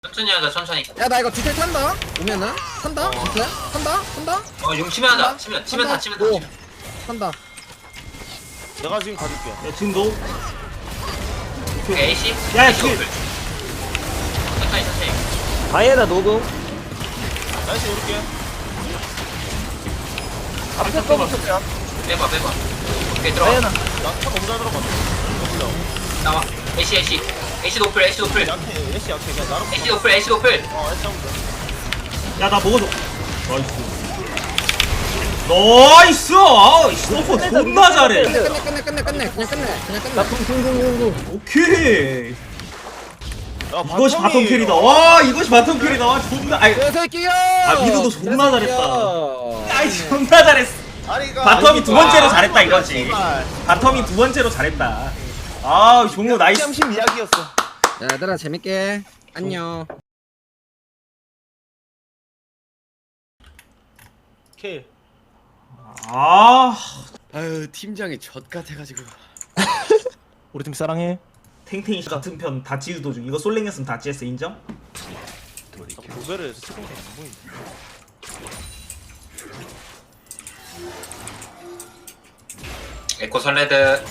천천히 하자 천천히. 야 나 이거 뒤태 탄다. 오면은 탄다. 뒤태 탄다. 용 치면 하자. 치면 다 치면 다. 오. 치면. 탄다. 내가 지금 가줄게. 야 지금 너 오케이 AC. 야, AC 지금- 오플. 천천히. 다이애나 녹음. 나이스 오를게. 앞에 거부터 그냥. 빼봐. 오케이 들어가. 다이애나. 나차 너무 잘 들어갔네. 나와. AC 노플. 약해. 애쉬 약해. 그냥 나로. AC 노플. 애쉬 하면 돼. 야 나 먹어줘. 나이스. 나이스. 스노퍼 존나 잘해. 끝내. 그냥 끝내. 오케이. 야, 이것이 바텀 캐리다. 와 이것이 바텀 캐리다. 와 존나. 아이 개새끼야. 아, 미드도 존나 잘했다. 아이 존나 잘했어. 아리가. 바텀이 두 번째로 아, 잘했다 이거지. 제발. 바텀이 두 번째로 잘했다. 아 종료 나이스. 짬심 이야기였어. 야, 얘들아 재밌게. 안녕. 킬. 아 아유 팀장이 젖 같아가지고. 우리 팀 사랑해. 탱탱이 같은 편 다찌우 도중 이거 솔랭했으면 다찌했어 인정? 고배를 채팅창 안 보이네. 에코 설레드.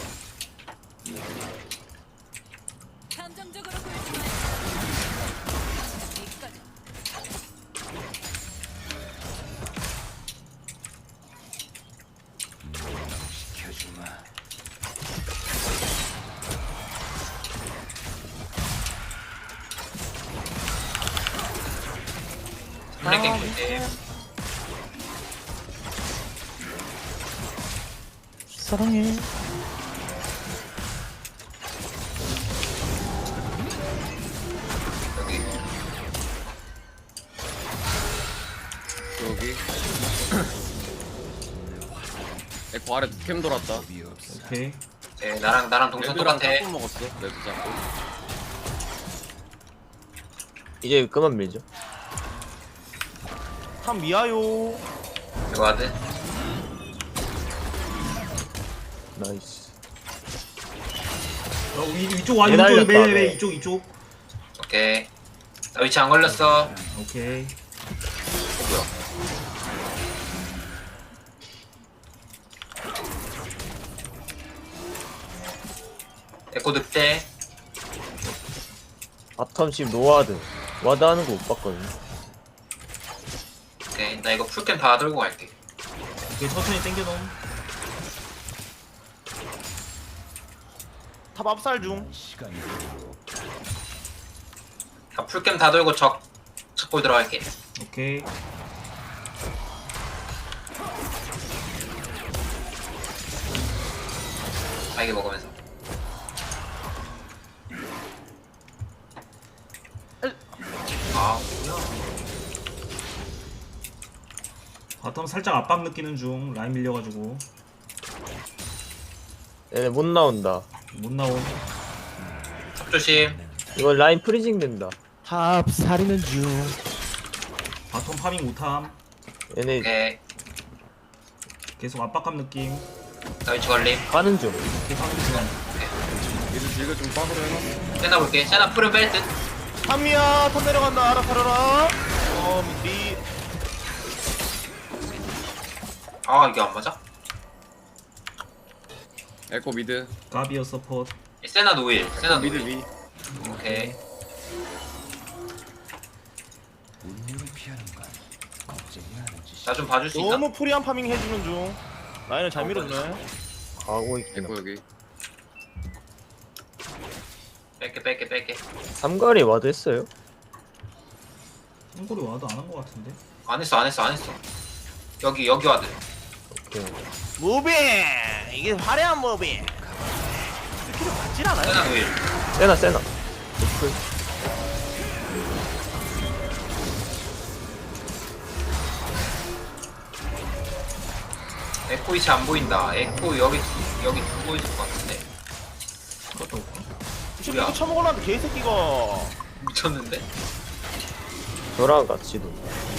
감정적으로 굴지 마. 여기까지. 블랙갱 이제. 사랑해. 여기. 여기. 에코 아래 캠 돌았다. 오케이. 네, 나랑 동선 레드랑 똑같아. 짝꿍 먹었어. 레드 짝꿍. 이제 그만 밀죠. 참 미아요. 이거 하드. 나이스. 이쪽 와 얘 이쪽 날렸다, 매 네. 이쪽. 오케이. 나 위치 안 걸렸어. 오케이. 뭐야? 에코 늑대. 바텀 노와드. 와드 하는 거 못 봤거든요. 오케이. 나 이거 풀캠 다 들고 갈게. 오케이 천천히 당겨놓음. 탑 압살 중. 자, 풀캠 다 들고 적골 들어갈게. 오케이. 아이게 먹으면서. 아 뭐야? 바텀 살짝 압박 느끼는 중. 라인 밀려가지고 얘네 못 나온다. 못 나옴. 탑 조심. 이거 라인 프리징 된다. 탑 살리는 중. 바텀 파밍 못함. 얘네 오케이. 계속 압박감 느낌. 나 위치 걸림. 가는 중. 오케이 파밍 중. 얘들 딜가 좀 빠그려 해놔. 세나 볼게. 세나 풀은 뺄 듯. 탑이야. 탑 내려간다. 알아 살아라. 미. 아 이게 안 맞아? 에코 미드. 가비어 서포트. 세나 노일. 세나 미드 노일. 위. 오케이. 나 좀 봐줄 수 있나? 너무 프리한 파밍 해주는 중. 라인을 잘 밀었네. 가고 있구나. 에코 여기. 뺄게. 삼거리 와드 했어요? 한골이 와도 안 한 거 같은데. 안 했어. 여기 와드. 오케이. 무빙. 이게 화려한 무빙. 스킬을 받질 않아요. 세나 노일. 세나. 노플. 에코 위치 안 보인다. 에코 여기 두고 있을 것 같은데. 그것도 없고. 지금 이거 처먹으려는데 개새끼가. 미쳤는데? 저랑 같이도.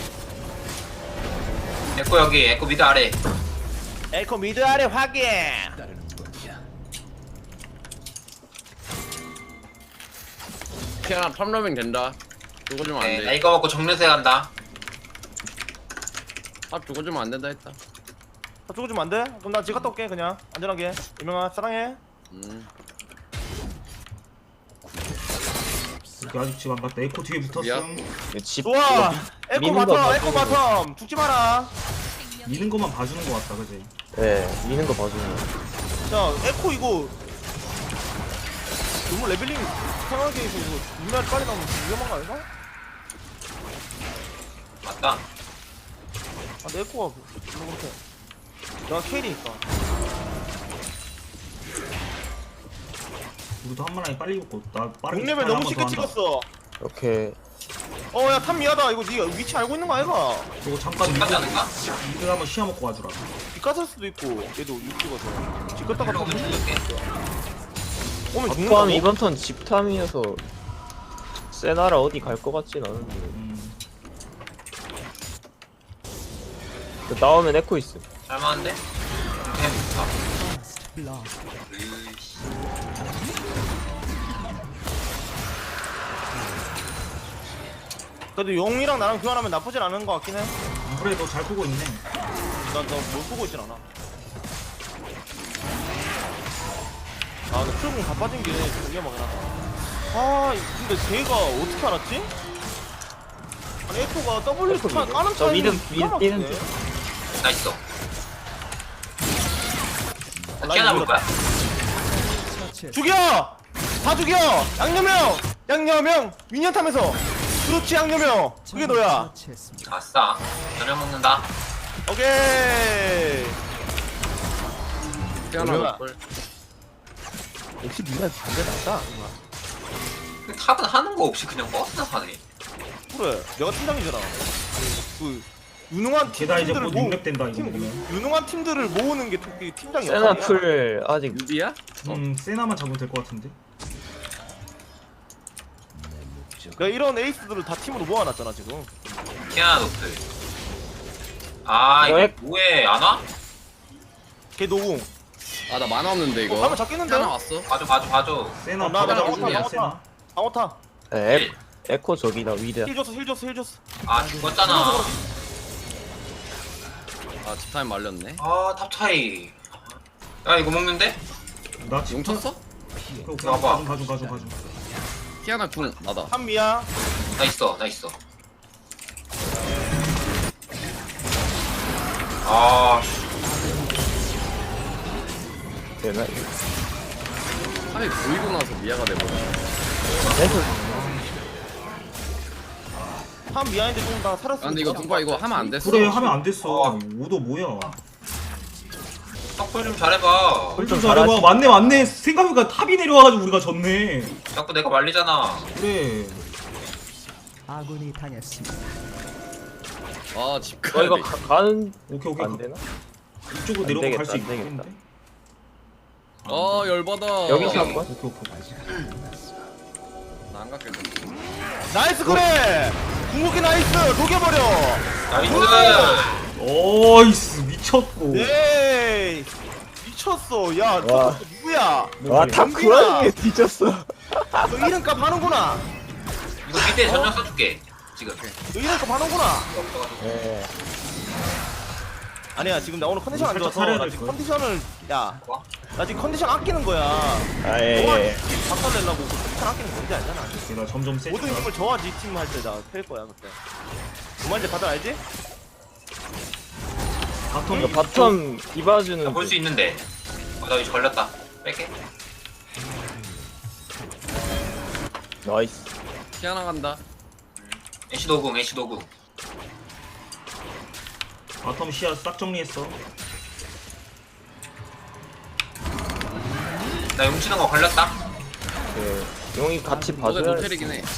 에코 여기. 에코 미드 아래. 에코 미드 아래 확인. 피아나 탑러밍 된다. 죽어주면 네, 나 안돼. 이거 먹고 정면세 간다. 탑 죽어주면 안 된다 했다. 다 죽어주면 안 돼? 그럼 나 집 갔다 올게 그냥 안전하게. 유명아 사랑해. 여기 아직 집 안 갔다. 에코 뒤에 붙었음. 집 좋아. 에코 미는 거 바텀 에코 봐주는 바텀 죽지 마라. 미는 것만 봐주는 것 같다, 그지? 네 미는 거 봐주는 거. 자 에코 이거 너무 레벨링 이상하게 해서 이거 눈알 빨리 나오면 위험한 거 아닌가? 맞다. 아 내 에코가 너무 그렇게 내가 케일이니까. 우리도 한 마리 빨리 먹고 나 빠르게 6레벨 너무 쉽게 찍었어. 오케이. 야 탑 미하다. 이거 니가 위치 알고 있는 거 아이가? 그리고 잠깐 집 가지 않을까? 미드 한번 시야 먹고 가주라. 빗가살 수도 있고 얘도 6 찍어서 집 갔다가 그리고 죽을게. 오면 아까 죽는다고? 이번 턴 집탐이어서 세나라 어디 갈 것 같진 않은데. 나오면 에코 있어. 잘만한데? 그냥 좋다. 그래도 용이랑 나랑 교환하면 나쁘진 않은 거 같긴 해. 그래 너 잘 크고 있네. 난못 보고 있진 않아. 나 출근 다 빠진 게 좀 위험하긴 하다. 근데 걔가 어떻게 알았지? 아니 에코가 W 에코 차 미드? 까는 저 타이밍 미드 뛰는 중. 나 있어. 나 라인 키아나 볼 거야. 죽여! 다 죽여! 양념형! 미니언 타면서! 그렇지 양념형! 그게 너야! 아싸. 저녁 먹는다. 오케이! 피아나 뭐야? 먹을. 역시 니가 반대 낫다. 탑은 하는 거 없이 그냥 버스나 사네. 그래 내가 팀장이잖아. 그 유능한 게다 이제 팀들을 곧 6렙 된다 이거 먹으면. 유능한 팀들을 모으는 게 팀장이야. 세나 풀 아직 유비야? 세나만 잡으면 될 것 같은데. 내가 이런 에이스들을 다 팀으로 모아놨잖아 지금. 키아나 노트. 아 이거 왜? 뭐해 안 와? 걔 노궁. 아 나 만화 없는데 이거. 가면 잡겠는데? 피아나 왔어. 봐줘. 세나 나 피아나 방어타 무슨이야, 방어타 방어타. 에코 저기다 위드. 힐 줬어. 아 죽었잖아. 아 집타임 말렸네. 아 탑 차이. 야 이거 먹는데? 나 용 지금 쳤어? 나봐. 가중. 피아나 궁 나다. 한미야. 나 있어. 아 씨. 되나? 탑이 보이고 나서 미아가 돼버려. 한미야인데 좀 다 살았어. 아 근데 이거 동파 이거 하면 안 됐어. 그래 하면 안 됐어. 오도 뭐야? 턱볼 좀 잘해봐. 좀 잘해봐. 맞네. 생각해보니까 탑이 내려와가지고 우리가 졌네. 자꾸 내가 말리잖아. 그래. 아군이 당했습니다. 아집 어 가야 이거 돼. 가는 오케이. 안 되나? 이쪽으로 안 내려가 갈 되겠다, 수 안 되겠다. 있겠는데? 아 열받아. 여기서 한 번? 오케이. 나안 갈게. 나이스 그래. 궁극기 나이스. 녹여버려. 나이스. 어이스 미쳤고. 에이 미쳤어. 야 와. 저 누구야? 와탑 연비야. 그 와중에 뒤졌어. 너 이름값 하는구나. 이거 밑에 전력 써줄게. 지금. 너 이름값 하는구나. 네. 아니야 지금 나 오늘 컨디션 안 살짝 좋아서 살해야 나 될 지금 거야. 컨디션을 뭐? 나 지금 컨디션 아끼는 거야. 너가 아예. 박살내려고 컨디션 아끼는 문제 아니잖아. 내가 점점 세져. 모든 힘을 저하지 팀 할 때 나 팰 거야 그때. 뭔 말인지 다들 알지? 이거 바텀 디바주는 나볼 수 있는데. 나 이제 걸렸다. 뺄게. 나이스. 피아나 간다. 애쉬 도궁. 바텀 시야 싹 정리했어. 나 용치는 거 걸렸다. 그 용이 같이 너네 봐줘야 노텔이긴 해.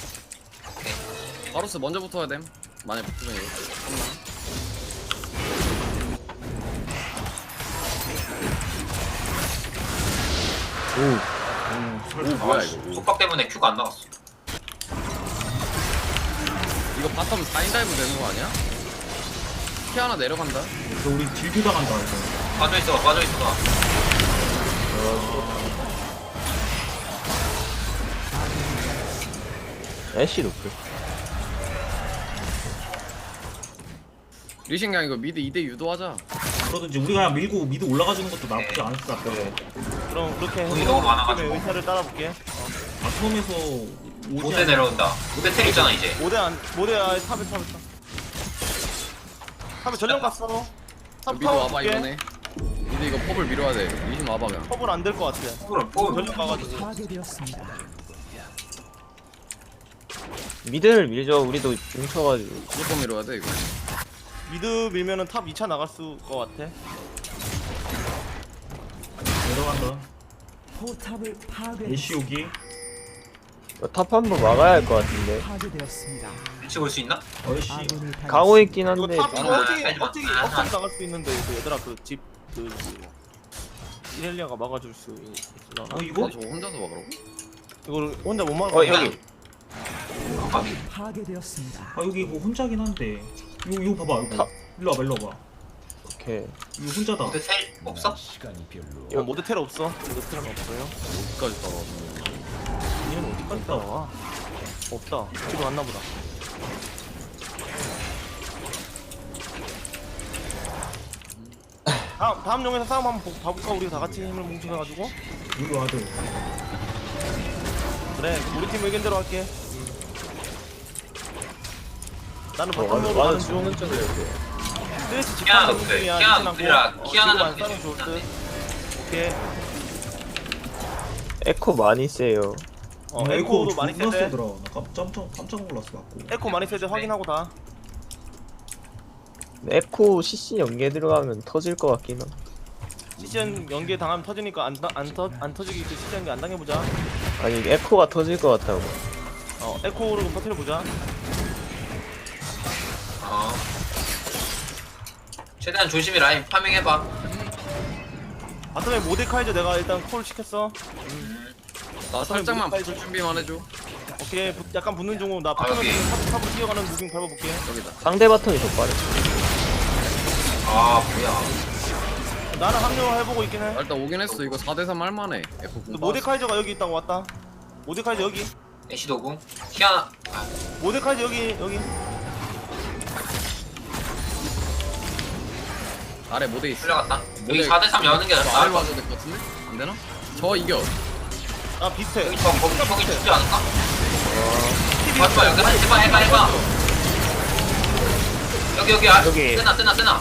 바로스 먼저 붙어야 됨. 만약 붙으면 이거. 오. 오 뭐야 이거. 속박 때문에 큐가 안 나왔어. 이거 바텀 4인 다이브 되는 거 아니야? 피아나 내려간다. 그래서 우리 딜교 당한다 이거. 빠져있어. 애쉬 노플. 리신강 이거 미드 2대 유도하자. 그러든지 우리가 그냥 밀고 미드 올라가주는 것도 나쁘지 않을 것 같아. 그럼 그렇게 돈이 너무 많아가지고. 의사를 따라볼게. 바텀에서 모대 내려온다. 모대 텔 있잖아 이제. 모대 아예 탑에 전령 갔어. 탑 미드 타워 와봐 줄게. 이번에. 미드 이거 펍을 밀어야 돼. 리신 와봐 그냥. 컵을 안 될 것 같아. 포그를 포그. 전령 가가지고. 파괴되었습니다. 미드를 밀죠. 우리도 뭉쳐가지고. 무조건 밀어야 돼 이거. 미드 밀면은 탑 2차 나갈 수 것 같아. 내려간다. 포탑을 애쉬 오기. 탑 한 번 막아야 할 것 같은데. 파괴되었습니다. 위치 볼 수 있나? 어이씨. 아군이 당했습니다. 가고 있긴 이거 한데. 탑 이거 아, 어떻게 하지마. 어떻게 나갈 수 있는데 이거 얘들아 그집그 이렐리아가 막아줄 수 있으려나? 이거? 저거 혼자서 막으라고? 이거를 혼자 못 막아. 여기. 파괴되었습니다. 여기 이거 혼자긴 한데. 이거 봐봐 이거. 일로 와봐. 오케이. 이거 혼자다. 모대 텔 없어? 모드 텔 없어. 모드 텔은 없어요. 어디까지 따라왔어? 얘는 어디까지 따라와? 없다. 집에 왔나 보다. 다음 용에서 싸움 한번 봐볼까? 우리 다 같이 힘을 뭉쳐가지고. 이거 와도. 그래, 우리 팀 의견대로 할게. 나는 바텀으로 와는 가는 주는 중. 쪽이야. 스트레스 키아나 집중 노플, 중이야. 키아나 리신하고. 노플이라 키아나 지금 안 노플이 싸면 좋을 듯. 좋은데. 오케이. 에코 많이 세요. 에코도 많이 존나 세대. 세더라. 나 깜짝 놀랐어 갖고. 에코 많이 세대 확인하고 다. 에코 CC 연계 들어가면 터질 것 같긴 함. 시즌 연계 당하면 터지니까 안 터지게 시즌 연계 안 당해보자. 아니 에코가 터질 것 같다고. 에코로 터트려보자. 어. 최대한 조심히 라인 파밍해봐. 바텀에 모데카이저 내가 일단 콜 시켰어. 나 살짝만 빨리 붙을 준비만 해줘. 오케이 약간 붙는 중으로 나 여기. 탑으로 뛰어가는 무빙 밟아볼게. 여기다. 상대 바텀이 더 빠르. 아 뭐야. 나는 합류해보고 있긴 해. 나 일단 오긴 했어. 이거 4대3 할만해. F 근데 모데카이저가 여기 있다고 왔다. 모데카이저 여기. 애쉬 도궁. 키아나. 아, 모데카이저 여기. 아래 모대 있어. 풀려갔다. 여기 모델- 4대3 여는 게 아래 나을 것 봐줘야 될 것 같은데? 안 되나? 저 이겨. 아 비슷해. 여기 거기 죽지 않을까? 맞봐 여기 한 해봐. 여기 여기. 세나.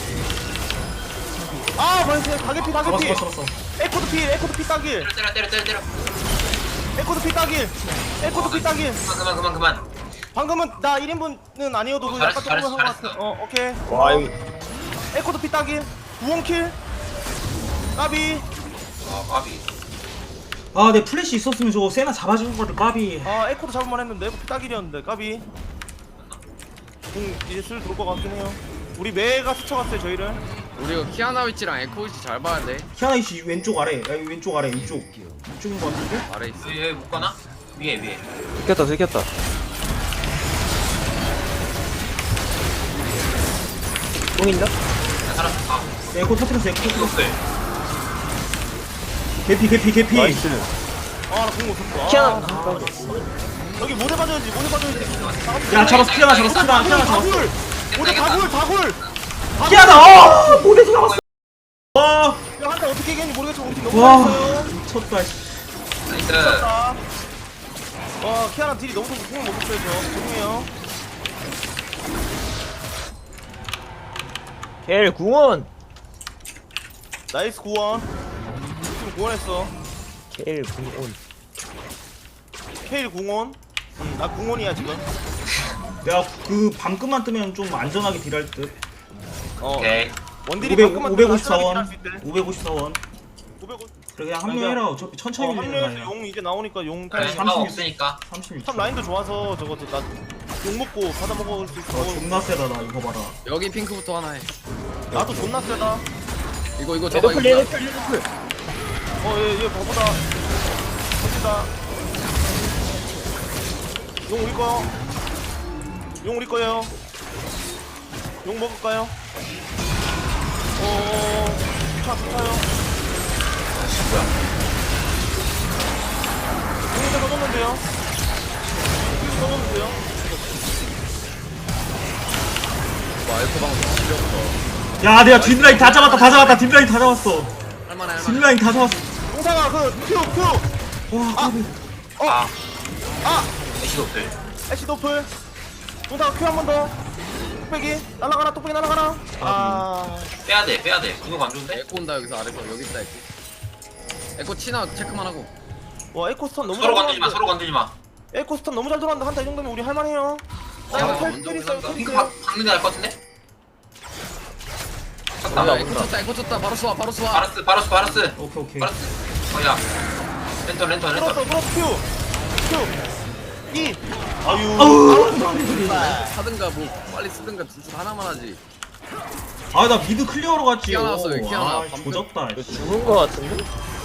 아 벌써 가게피. 잡았어. 에코도 피 따길. 때려. 에코도 피 따길. 그만. 방금은 나 1인분은 아니어도 그 잘했어, 약간 조금 한것 잘했어. 같아. 오케이. 와 여기 에코도 피 따길. 구원킬. 까비. 까비. 내 플래시 있었으면 저거 세나 잡아주는 거를 까비. 에코도 잡을만 했는데 에코 피 따길이었는데 까비. 이제 슬 들어올 것 같긴 해요. 우리 매가 스쳐갔어요 저희를. 우리 이거 키아나 위치랑 에코 위치 잘 봐야 돼. 키아나 이씨 왼쪽 아래. 왼쪽 아래 이쪽인 거 같은데? 아래 있어. 여기 못 가나? 위에. 들켰다. 똥 있나? 나 살았어. 에코 터뜨렸어. 노플. 개피. 나이스. 아나 공못 쳤어. 키아나. 여기 모대 봐줘야지. 야 잡았어. 키아나 잡았어. 다굴. 키아나. 모대서 잡았어. 와 야, 한타 어떻게 이겼는지 모르겠지만 우리 팀 너무 와. 잘했어요. 미쳤다. 나이스. 자, 키아나 딜이 너무 좋고 공을 못 쳤어요. 죄송해요. 겔 궁원. 나이스 구원. 지금 구원했어. 겔 궁원. 케일 궁원. 나 궁원이야 지금. 내가 그 방금만 뜨면 좀 안전하게 딜할 듯. 오케이. 원딜이 방금만 554원. 554원. 550. 그래 그냥 합류해라. 어차피 천천히 밀리는 거 합류해서 아니야. 용 이제 나오니까 용 그래, 타임. 30. 상 없으니까. 36초. 탑 라인도 좋아서 저것도 나용 먹고 받아 먹을 수 있어. 존나 세다 나 이거 봐라. 여기 핑크부터 하나 해. 나도 존나 세다. 이거 잡아. 레드풀. 얘 바보다. 터진다. 용 우리 거. 용 우리 거예요. 용 먹을까요? 좋다요. 용에다 넣었는데요. 넣었는데요. 에코 방금 지렸어. 야 내가 뒷라인 다 잡았다 뒷라인 다 잡았어. 할만해. 뒷라인 다 잡았어. 동상아 그 큐. 애쉬 노플. 애쉬 노플. 동상아 큐 한 번 더. 뚝배기 날아가라. 뚝배기 날아가라. 아. 빼야돼 그거 안 좋은데? 에코 온다 여기서 아래서 여기 있다 에코. 에코 치나 체크만 하고. 와 에코 스턴 너무 서로 잘 건들지마 들어왔는데. 서로 건들지마. 에코 스턴 너무 잘 들어왔는데 한타 이 정도면 우리 할만해요. 나 야, 이거 먼저 텔 있어요. 올라간다. 핑크 박는 게 나을 것 같은데? 야, 에코 쳤다 바로 쏴 바로 쏴. 바로스 오케이. 어야 랜턴 들었어 큐. 이. 아유. 하든가 뭐 빨리 쓰든가 둘 중 하나만 하지. 아 나 미드 클리어로 갔지. 키아나 왔어, 여기 키아나. 아 조졌다. 이거 죽은 거 같은데?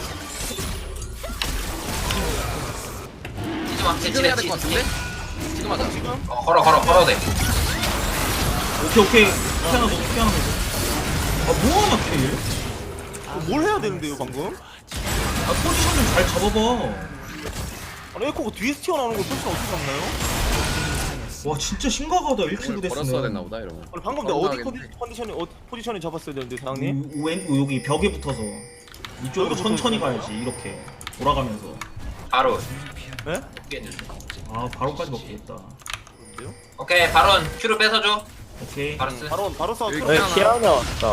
치지마 지금 해야 될 것 같은데? 지금 하자. 걸어도 돼. 오케이. 피아노 아 뭐하냐 걔? 뭘 해야 되는데요 방금? 아 포지션 좀 잘 잡아봐. 아니 에코가 뒤에서 튀어나오는 걸 포지션 어떻게 잡나요? 와 진짜 심각하다 1킬 오늘 걸었어야 됐나 됐으면. 보다 이러면. 아니 방금 내가 어디 걸어놔야겠네. 컨디션이 포지션이 잡았어야 되는데 사장님? 여기 벽에 붙어서 이쪽으로 벽에 천천히 붙어서. 가야지 이렇게 돌아가면서. 바로. 네? 아 바로까지 먹겠다. 오케이 바론 큐를 뺏어줘. 오케이. 바로스. 바로 싸워. 여기 네, 키아나. 키아나 왔다.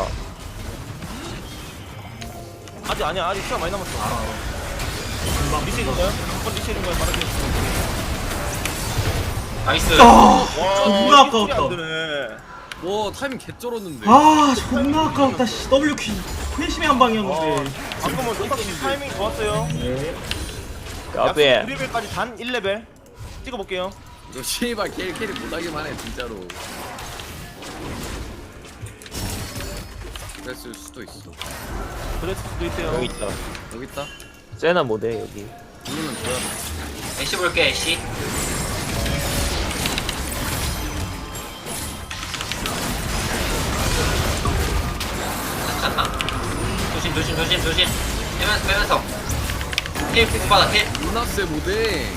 아직 시간 많이 남았어. 알아. 리시인가요? 한번 리시인가요? 말하세요. 나이스. 존나 아까웠다. 안 되네. 와 타이밍 개쩔었는데. 아 존나 아까웠다. 씨, WQ 회심의 한 방이었는데. 방금은 노탁씨 타이밍 좋았어요. 네. 까비. 2레벨까지 단 1레벨 찍어볼게요. 너 씨발 캐리 못하기만 해 진짜로. 그랬을 수도 있어. 그랬을 수도 있대요. 여기 있다. 여기 있다. 세나 모델 여기. 누르면 줘야 돼. 애쉬 볼게 애쉬. 괜찮나? 조심. 빼면서. 힐 공받아 힐. 루나스의 모델.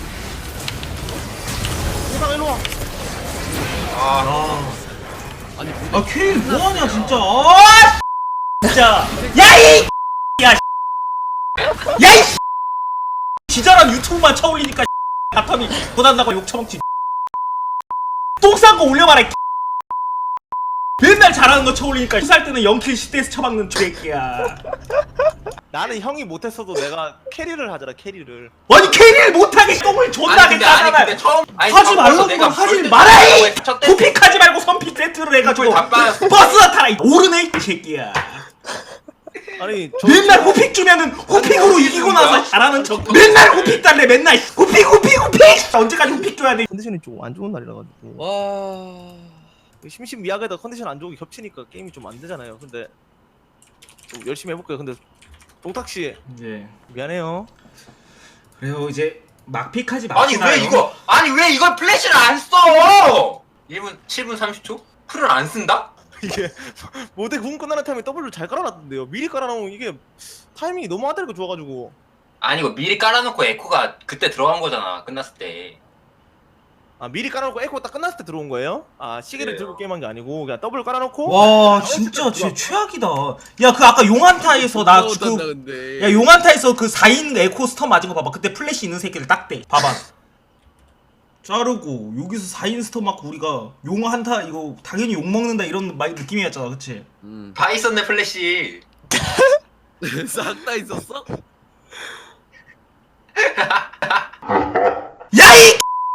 동상 일로 와. 아 아니 아 케일 뭐하냐 진짜. 아 진짜. 야이. 야이. 지자란 유튜브만 쳐올리니까 바텀이 고단다고 욕 처먹지. 똥 싼 거 올려봐라. 맨날 잘하는 거 쳐올리니까 살 때는 0킬 10대에서 쳐박는 새끼야. 나는 형이 못했어도 내가 캐리를 하잖아 캐리를. 아니 캐리를 못하게 똥을 존나 근데 하겠다잖아. 처음 하지 말라고 하지 말아이. 도픽하지 말고 선픽 세트를 해가지고 다 빠졌어. 버스나 타라. 오르네 이 새끼야. 아니 맨날 호픽 주면은 호픽으로 이기고 나서 잘하는 척. 맨날 호픽 달래 맨날 호픽. 언제까지 호픽 줘야 돼? 컨디션이 좀 안 좋은 날이라 가지고 와. 심심미약에다 컨디션 안 좋은 게 겹치니까 게임이 좀 안 되잖아요. 근데 좀 열심히 해볼게요. 근데 동탁 씨 이제 미안해요. 그래요 이제 막픽하지 아니 마시나요? 왜 이걸 플래시를 안 써? 1분 7분 30초? 풀을 안 쓴다? 이게 모델 궁 끝나는 타이밍에 W를 잘 깔아놨던데요. 미리 깔아놓으면 이게 타이밍이 너무 아다리가 좋아가지고. 아니 이거 미리 깔아놓고 에코가 그때 들어간 거잖아 끝났을 때. 아 미리 깔아놓고 에코 딱 끝났을 때 들어온 거예요? 아 시계를 그래요. 들고 게임한 게 아니고 그냥 W 깔아놓고. 와 진짜 쟤 최악이다. 야 그 아까 용한타에서 나 못한다 그 근데. 야 용한타에서 그 4인 에코 스턴 맞은 거 봐봐. 그때 플래시 있는 새끼를 딱대. 봐봐. 자르고 여기서 4인 스턴 맞고 우리가 용한타 이거 당연히 욕 먹는다 이런 느낌이었잖아, 그치? 다 있었네 플래시. 싹 다 있었어? 야이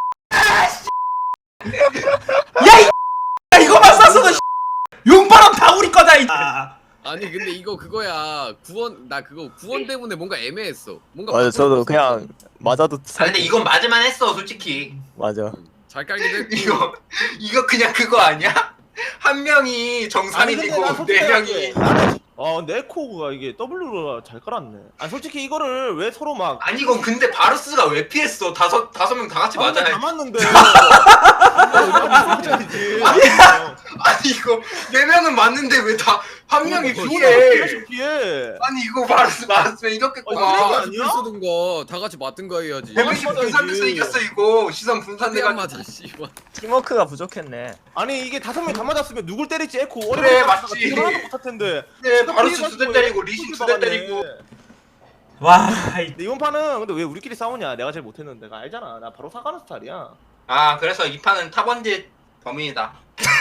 야이 이거만 쐈어도 용바람 다 우리 거다 이. 아니 근데 이거 그거야 구원 나 그거 구원 때문에 뭔가 애매했어. 뭔가 맞아, 저도 바꿔줬어. 그냥 맞아도 아 근데 이건 맞을만 했어 솔직히. 맞아. 잘 깔기도 했고. 이거 그냥 그거 아니야? 한 명이 정상인이고 네 명이. 근데 에코가 이게 W가 잘 깔았네. 아 솔직히 이거를 왜 서로 막. 아니 이건 근데 바루스가 왜 피했어? 다섯 명 다 같이 다 맞아야. 맞는데. 아니 아니 이거 4명은 맞는데 왜 다 한 명이 피해? 피해. 아니 이거 말았으면 이겼겠구나. 그런 거 다 아니야? 같이 쓰던 거다 같이 맞든 거 해야지. 데미지 맞아야지. 분산돼서 이겼어 이거. 시선 안 분산돼가지고. 맞아 씨발. 팀워크가 부족했네. 아니 이게 5명 다 맞았으면 누굴 때릴지 에코 그래, 어려운 맞지. 하나도 못할 텐데. 네, 바루스 2대 때리고 리신 2대 때리고. 와, 이- 근데 이번 판은 근데 왜 우리끼리 싸우냐? 내가 제일 못했는데 나 알잖아. 나 바로 사과하는 스타일이야. 아 그래서 이 판은 탑원지 범인이다.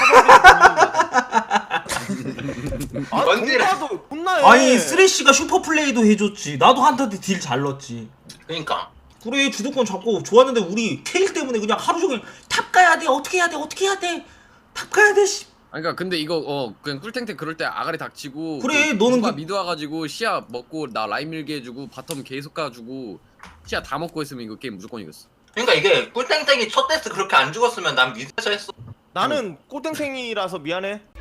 아, 원딜은- 동파도 혼나해. 아니 쓰레쉬가 슈퍼 플레이도 해줬지. 나도 한타한테 딜 잘 넣었지. 그러니까. 그래 주도권 잡고 좋았는데 우리 케일 때문에 그냥 하루 종일 탑 가야 돼. 어떻게 해야 돼? 어떻게 해야 돼? 탑 가야 돼. 씨. 아니, 그러니까 근데 이거 그냥 꿀탱탱 그럴 때 아가리 닥치고 그래, 그 너는 누가 그- 미드 와가지고 시야 먹고 나 라인 밀게 해주고 바텀 계속 가주고 시야 다 먹고 했으면 이거 게임 무조건 이겼어. 그러니까 이게 꿀땡땡이 첫 데스 그렇게 안 죽었으면 난 미드에서 했어. 나는 꼴땡생이라서 미안해.